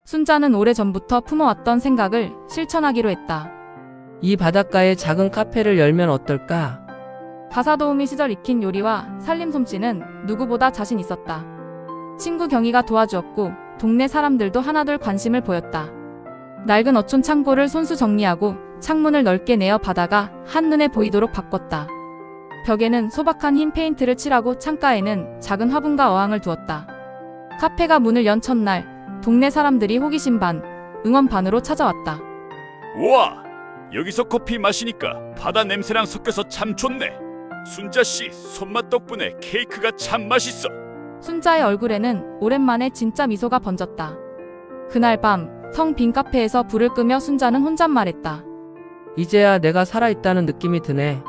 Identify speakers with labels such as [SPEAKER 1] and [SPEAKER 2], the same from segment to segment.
[SPEAKER 1] 순자는 오래전부터 품어왔던 생각을 실천하기로 했다.
[SPEAKER 2] 이 바닷가에 작은 카페를 열면 어떨까?
[SPEAKER 1] 가사도우미 시절 익힌 요리와 살림 솜씨는 누구보다 자신 있었다. 친구 경희가 도와주었고 동네 사람들도 하나둘 관심을 보였다. 낡은 어촌 창고를 손수 정리하고 창문을 넓게 내어 바다가 한눈에 보이도록 바꿨다. 벽에는 소박한 흰 페인트를 칠하고 창가에는 작은 화분과 어항을 두었다. 카페가 문을 연 첫날 동네 사람들이 호기심 반, 응원 반으로 찾아왔다.
[SPEAKER 3] 우와! 여기서 커피 마시니까 바다 냄새랑 섞여서 참 좋네. 순자씨 손맛 덕분에 케이크가 참 맛있어.
[SPEAKER 1] 순자의 얼굴에는 오랜만에 진짜 미소가 번졌다. 그날 밤 텅 빈 카페에서 불을 끄며 순자는 혼잣말했다.
[SPEAKER 2] 이제야 내가 살아있다는 느낌이 드네.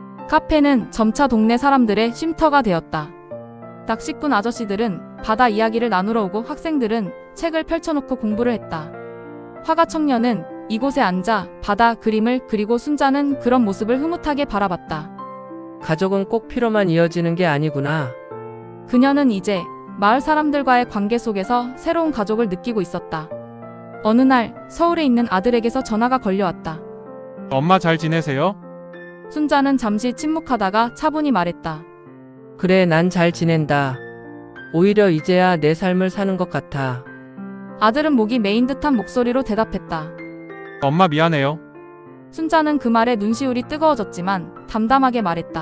[SPEAKER 1] 카페는 점차 동네 사람들의 쉼터가 되었다. 낚시꾼 아저씨들은 바다 이야기를 나누러 오고 학생들은 책을 펼쳐놓고 공부를 했다. 화가 청년은 이곳에 앉아 바다 그림을 그리고 순자는 그런 모습을 흐뭇하게 바라봤다.
[SPEAKER 2] 가족은 꼭 피로만 이어지는 게 아니구나.
[SPEAKER 1] 그녀는 이제 마을 사람들과의 관계 속에서 새로운 가족을 느끼고 있었다. 어느 날 서울에 있는 아들에게서 전화가 걸려왔다.
[SPEAKER 4] 엄마 잘 지내세요?
[SPEAKER 1] 순자는 잠시 침묵하다가 차분히 말했다.
[SPEAKER 2] 그래, 난 잘 지낸다. 오히려 이제야 내 삶을 사는 것 같아.
[SPEAKER 1] 아들은 목이 메인 듯한 목소리로 대답했다.
[SPEAKER 4] 엄마 미안해요.
[SPEAKER 1] 순자는 그 말에 눈시울이 뜨거워졌지만 담담하게 말했다.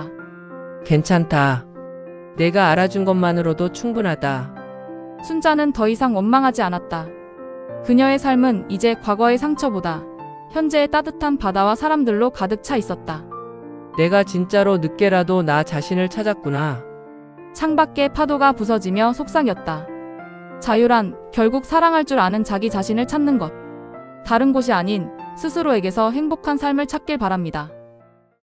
[SPEAKER 2] 괜찮다. 내가 알아준 것만으로도 충분하다.
[SPEAKER 1] 순자는 더 이상 원망하지 않았다. 그녀의 삶은 이제 과거의 상처보다 현재의 따뜻한 바다와 사람들로 가득 차 있었다.
[SPEAKER 2] 내가 진짜로 늦게라도 나 자신을 찾았구나.
[SPEAKER 1] 창밖에 파도가 부서지며 속삭였다. 자유란 결국 사랑할 줄 아는 자기 자신을 찾는 것. 다른 곳이 아닌 스스로에게서 행복한 삶을 찾길 바랍니다.